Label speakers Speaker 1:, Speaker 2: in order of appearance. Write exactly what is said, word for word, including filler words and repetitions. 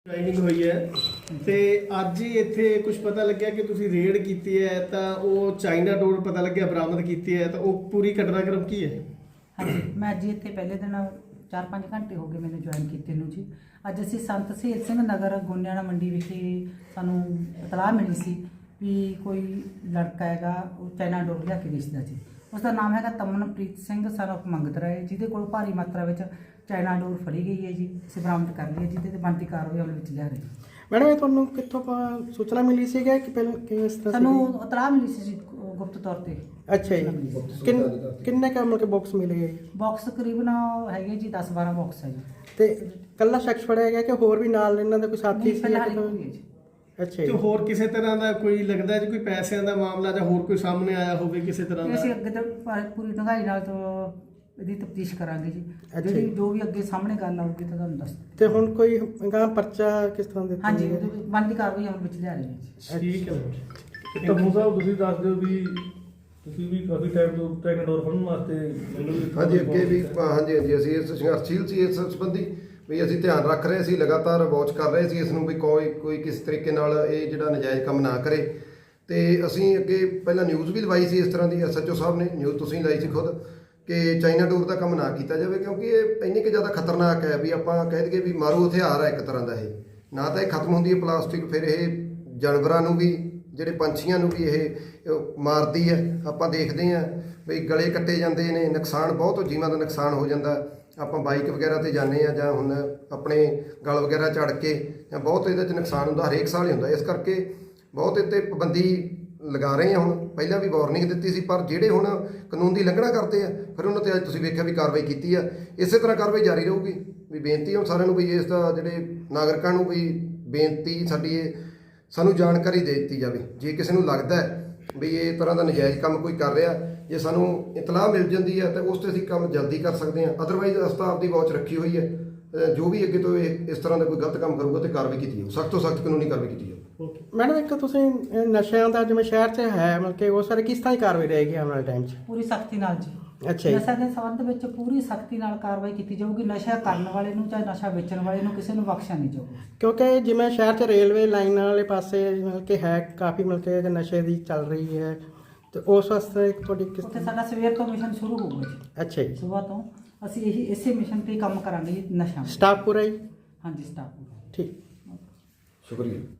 Speaker 1: Joining ਹੋਈ ਹੈ ਤੇ ਅੱਜ ਹੀ ਇੱਥੇ ਕੁਝ ਪਤਾ ਲੱਗਿਆ ਕਿ ਤੁਸੀਂ ਰੇਡ ਕੀਤੀ ਹੈ ਤਾਂ ਉਹ ਚਾਈਨਾ ਡੋਰ ਪਤਾ ਲੱਗਿਆ ਬਰਾਮਦ ਕੀਤੀ ਹੈ ਤਾਂ ਉਹ ਪੂਰੀ ਘਟਨਾਕ੍ਰਮ ਕੀ ਹੈ?
Speaker 2: ਹਾਂਜੀ, ਮੈਂ ਅੱਜ ਇੱਥੇ ਪਹਿਲੇ ਦਿਨ ਚਾਰ ਪੰਜ ਘੰਟੇ ਹੋ ਗਏ ਮੈਨੂੰ ਜੁਆਇਨ ਕੀਤੇ ਨੂੰ ਜੀ। ਅੱਜ ਅਸੀਂ ਸੰਤ ਸ਼ਹੀਦ ਸਿੰਘ ਨਗਰ ਗੋਨਿਆਣਾ ਮੰਡੀ ਵਿਖੇ ਸਾਨੂੰ ਇਤਲਾਹ ਮਿਲੀ ਸੀ ਵੀ ਕੋਈ ਲੜਕਾ ਹੈਗਾ ਉਹ ਚਾਈਨਾ ਡੋਰ ਲਿਆ ਕੇ ਵੇਚਦਾ ਜੀ। ਉਸ ਦਾ ਨਾਮ ਹੈਗਾ ਤਮਨਪ੍ਰੀਤ ਸਿੰਘ ਸਨ ਆਫ ਮੰਗਤ ਰਾਏ, ਜਿਹਦੇ ਕੋਲ ਭਾਰੀ ਮਾਤਰਾ ਵਿੱਚ ਚਾਈਨਾ ਡੋਰ ਫੜੀ ਗਈ ਹੈ ਜੀ। ਅਸੀਂ ਬਰਾਮਦ ਕਰ ਲਈ ਹੈ, ਜਿਹਦੇ ਤੇ ਬਣਦੀ ਕਾਰਵਾਈ ਅਮਲ ਵਿੱਚ ਲਿਆ ਰਹੀ ਹੈ।
Speaker 3: ਮੈਡਮ ਇਹ ਤੁਹਾਨੂੰ ਕਿੱਥੋਂ ਪ- ਸੂਚਨਾ ਮਿਲੀ ਸੀਗਾ ਕਿ ਪਹਿਲਾਂ ਕਿਸ ਤਰ੍ਹਾਂ
Speaker 2: ਸਾਨੂੰ ਇਤਲਾਹ ਮਿਲੀ ਸੀ ਜੀ ਗੁਪਤ ਤੌਰ ਤੇ।
Speaker 3: ਅੱਛਾ ਜੀ, ਕਿੰਨ ਕਿੰਨੇ ਕੁ ਮਤਲਬ ਕਿ ਬਾਕਸ ਮਿਲੇ ਹੈ ਜੀ?
Speaker 2: ਬਾਕਸ ਤਕਰੀਬਨ ਹੈਗੇ ਜੀ ਦਸ ਬਾਰਾਂ ਬਾਕਸ ਹੈ ਜੀ।
Speaker 3: ਤੇ ਕੱਲਾ ਸ਼ਖਸ ਫੜਿਆ ਗਿਆ ਕਿ ਹੋਰ ਵੀ ਨਾਲ ਇਹਨਾਂ ਦਾ ਕੋਈ ਸਾਥੀ
Speaker 2: ਨਹੀਂ,
Speaker 3: ਸੀ?
Speaker 2: ਫਿਲਹਾਲ
Speaker 3: ਜਾਂ
Speaker 2: ਇੱਕੋ ਹੀ ਹੈ ਜੀ।
Speaker 3: ਅੱਛਾ
Speaker 1: ਤੇ
Speaker 3: ਜੀ,
Speaker 1: ਹੋਰ ਕਿਸੇ ਤਰ੍ਹਾਂ ਦਾ ਕੋਈ ਲੱਗਦਾ ਹੈ ਜੀ ਕੋਈ ਪੈਸਿਆਂ ਦਾ ਮਾਮਲਾ ਜਾਂ ਹੋਰ ਕੋਈ ਸਾਹਮਣੇ ਆਇਆ ਹੋਵੇ ਕਿਸੇ ਤਰ੍ਹਾਂ
Speaker 2: ਤੇ
Speaker 1: ਦਾ?
Speaker 2: ਅਸੀਂ ਅੱਗੇ ਤੋਂ ਪ- ਪੂਰੀ ਡੂੰਘਾਈ ਨਾਲ ਤੋਂ ਇਹਦੀ ਤਫਤੀਸ਼ ਕਰਾਂਗੇ ਜੀ।
Speaker 3: ਅੱਛਾ
Speaker 2: ਜਿਹੜੀ
Speaker 3: ਜੀ।
Speaker 2: ਜੋ ਵੀ ਅੱਗੇ ਸਾਹਮਣੇ ਗੱਲ ਆਊਗੀ ਤਾਂ ਤੁਹਾਨੂੰ ਦੱਸ ਦਿਆਂਗੇ।
Speaker 3: ਤੇ ਹੁਣ ਕੋਈ ਗਾਂ ਪਰਚਾ ਕਿਸ ਤਰ੍ਹਾਂ ਦਿੱਤਾ
Speaker 2: ਹਾਂਜੀ,
Speaker 3: ਗਿਆ?
Speaker 2: ਉਹਦੇ ਵਿੱਚ ਬਣਦੀ ਕਾਰਵਾਈ ਅਮਲ ਵਿੱਚ ਲਿਆ ਰਹੀ ਹੈ ਜੀ।
Speaker 1: ਠੀਕ ਹੈ
Speaker 4: ਤੇ ਤੰਮੂ ਸਾਹਿਬ ਤੁਸੀਂ ਦੱਸ ਦਿਓ ਵੀ ਤੁਸੀਂ ਵੀ ਕਾਫੀ ਟਾਈਮ ਤੋਂ ਟ੍ਰੇਨ ਡੋਰ ਫੜਨ ਵਾਸਤੇ ਮੈਨੂੰ ਵੀ
Speaker 5: ਹਾਂਜੀ ਅੱਗੇ ਵੀ ਹਾਂਜੀ ਹਾਂਜੀ ਅਸੀਂ ਇਸ ਸੰਘਰਸ਼ੀਲ ਸੀ ਇਸ ਸੰਬੰਧੀ ਵੀ ਅਸੀਂ ਧਿਆਨ ਰੱਖ ਰਹੇ ਸੀ, ਲਗਾਤਾਰ ਵਾਚ ਕਰ ਰਹੇ ਸੀ ਇਸ ਨੂੰ ਵੀ ਕੋਈ ਕੋਈ ਕਿਸ ਤਰੀਕੇ ਨਾਲ ਇਹ ਜਿਹੜਾ ਨਜਾਇਜ਼ ਕੰਮ ਨਾ ਕਰੇ। ਤੇ ਅਸੀਂ ਅੱਗੇ ਪਹਿਲਾਂ ਨਿਊਜ਼ ਵੀ ਲਵਾਈ ਸੀ ਇਸ ਤਰ੍ਹਾਂ ਦੀ, ਐਸ ਐਚ ਓ ਸਾਹਿਬ ਨੇ ਨਿਊਜ਼ ਤੁਸੀਂ ਲਾਈ ਸੀ ਖੁਦ ਕਿ ਚਾਈਨਾ ਡੋਰ ਦਾ ਕੰਮ ਨਾ ਕੀਤਾ ਜਾਵੇ, ਕਿਉਂਕਿ ਇਹ ਇੰਨੀ ਕਿ ਜ਼ਿਆਦਾ ਖਤਰਨਾਕ ਹੈ ਵੀ ਆਪਾਂ ਕਹਿ ਦਈਏ ਵੀ ਮਾਰੂ ਹਥਿਆਰ ਹੈ ਇੱਕ ਤਰ੍ਹਾਂ ਦਾ। ਇਹ ਨਾ ਤਾਂ ਇਹ ਖਤਮ ਹੁੰਦੀ ਹੈ ਪਲਾਸਟਿਕ, ਫਿਰ ਇਹ ਜਾਨਵਰਾਂ ਨੂੰ ਵੀ ਜਿਹੜੇ ਪੰਛੀਆਂ ਨੂੰ ਵੀ ਇਹ ਮਾਰਦੀ ਹੈ। ਆਪਾਂ ਦੇਖਦੇ ਹਾਂ ਵੀ ਗਲੇ ਕੱਟੇ ਜਾਂਦੇ ਨੇ, ਨੁਕਸਾਨ ਬਹੁਤ ਜੀਵਾਂ ਦਾ ਨੁਕਸਾਨ ਹੋ ਜਾਂਦਾ। ਆਪਾਂ ਬਾਈਕ ਵਗੈਰਾ ਤੇ ਜਾਂਦੇ ਆ ਜਾਂ ਹੁਣ ਆਪਣੇ ਗਲ ਵਗੈਰਾ ਝੜ ਕੇ ਜਾਂ ਬਹੁਤ ਇਹਦੇ 'ਚ ਨੁਕਸਾਨ ਹੁੰਦਾ, ਹਰੇਕ ਸਾਲ ਹੀ ਹੁੰਦਾ। ਇਸ ਕਰਕੇ ਬਹੁਤ ਇਹ 'ਤੇ ਪਾਬੰਦੀ ਲਗਾ ਰਹੇ ਹਾਂ। ਹੁਣ ਪਹਿਲਾਂ ਵੀ ਵਾਰਨਿੰਗ ਦਿੱਤੀ ਸੀ, ਪਰ ਜਿਹੜੇ ਹੁਣ ਕਾਨੂੰਨ ਦੀ ਉਲੰਘਣਾ ਕਰਦੇ ਆ ਫਿਰ ਉਹਨਾਂ 'ਤੇ ਅੱਜ ਤੁਸੀਂ ਵੇਖਿਆ ਵੀ ਕਾਰਵਾਈ ਕੀਤੀ ਆ। ਇਸੇ ਤਰ੍ਹਾਂ ਕਾਰਵਾਈ ਜਾਰੀ ਰਹੂਗੀ। ਵੀ ਬੇਨਤੀ ਹੁਣ ਸਾਰਿਆਂ ਨੂੰ ਵੀ ਇਸ ਦਾ ਜਿਹੜੇ ਨਾਗਰਿਕਾਂ ਨੂੰ ਵੀ ਬੇਨਤੀ ਸਾਡੀ ਇਹ ਸਾਨੂੰ ਜਾਣਕਾਰੀ ਦੇ ਦਿੱਤੀ ਜਾਵੇ। ਜੇ ਕਿਸੇ ਨੂੰ ਲੱਗਦਾ ਵੀ ਇਹ ਤਰ੍ਹਾਂ ਦਾ ਨਜਾਇਜ਼ ਕੰਮ ਕੋਈ ਕਰ ਰਿਹਾ, ਜੇ ਸਾਨੂੰ ਇਤਲਾਹ ਮਿਲ ਜਾਂਦੀ ਹੈ ਤਾਂ ਉਸ 'ਤੇ ਅਸੀਂ ਕੰਮ ਜਲਦੀ ਕਰ ਸਕਦੇ ਹਾਂ। ਅਦਰਵਾਈਜ਼ ਅਸੀਂ ਆਪਦੀ ਵਾਚ ਰੱਖੀ ਹੋਈ ਹੈ, ਜੋ ਵੀ ਅੱਗੇ ਤੋਂ ਇਹ ਇਸ ਤਰ੍ਹਾਂ ਦਾ ਕੋਈ ਗਲਤ ਕੰਮ ਕਰੂਗਾ ਤੇ ਕਾਰਵਾਈ ਕੀਤੀ ਜਾਊ, ਸਖਤ ਤੋਂ ਸਖਤ ਕਾਨੂੰਨੀ ਕਾਰਵਾਈ ਕੀਤੀ ਜਾਊ।
Speaker 3: ਮੈਡਮ ਇੱਕ ਤੁਸੀਂ ਇਹ ਨਸ਼ਿਆਂ ਦਾ ਜਿਵੇਂ ਸ਼ਹਿਰ 'ਚ ਹੈ ਮਤਲਬ ਕਿ ਉਹ ਸਾਰੇ ਕਿਸ ਤਰ੍ਹਾਂ ਦੀ ਕਾਰਵਾਈ ਰਹੇਗੀ ਆਉਣ ਵਾਲੇ ਟਾਈਮ 'ਚ?
Speaker 2: ਪੂਰੀ ਸਖਤੀ ਨਾਲ ਜੀ।
Speaker 3: ਅੱਛਾ ਜੀ,
Speaker 2: ਨਸ਼ਾ ਦੇ ਸੰਬੰਧ ਵਿੱਚ ਪੂਰੀ ਸਖਤੀ ਨਾਲ ਕਾਰਵਾਈ ਕੀਤੀ ਜਾਊਗੀ। ਨਸ਼ਾ ਕਰਨ ਵਾਲੇ ਨੂੰ ਚਾਹੇ ਨਸ਼ਾ ਵੇਚਣ ਵਾਲੇ ਨੂੰ ਕਿਸੇ ਨੂੰ ਬਖਸ਼ਿਆ ਨਹੀਂ ਜਾਊਗਾ।
Speaker 3: ਕਿਉਂਕਿ ਜਿਵੇਂ ਸ਼ਹਿਰ 'ਚ ਰੇਲਵੇ ਲਾਈਨ ਵਾਲੇ ਪਾਸੇ ਮਤਲਬ ਕਿ ਹੈ ਕਾਫੀ ਮਤਲਬ ਕਿ ਨਸ਼ੇ ਦੀ ਚੱਲ ਰਹੀ ਹੈ, ਤੇ ਉਸ ਵਾਸਤੇ ਤੁਹਾਡੀ ਕਿਸ
Speaker 2: ਉੱਥੇ ਸਾਡਾ ਸਵੇਰ ਤੋਂ ਮਿਸ਼ਨ ਸ਼ੁਰੂ ਹੋਊਗਾ ਜੀ।
Speaker 3: ਅੱਛਾ ਜੀ,
Speaker 2: ਸਵੇਰ ਤੋਂ ਅਸੀਂ ਇਹੀ ਇਸੇ ਮਿਸ਼ਨ ਤੇ ਕੰਮ ਕਰਾਂਗੇ ਜੀ, ਨਸ਼ਾ।
Speaker 3: ਸਟਾਫ ਪੂਰਾ ਜੀ?
Speaker 2: ਹਾਂਜੀ, ਸਟਾਫ ਪੂਰਾ।
Speaker 3: ਠੀਕ।
Speaker 5: ਸ਼ੁਕਰੀਆ।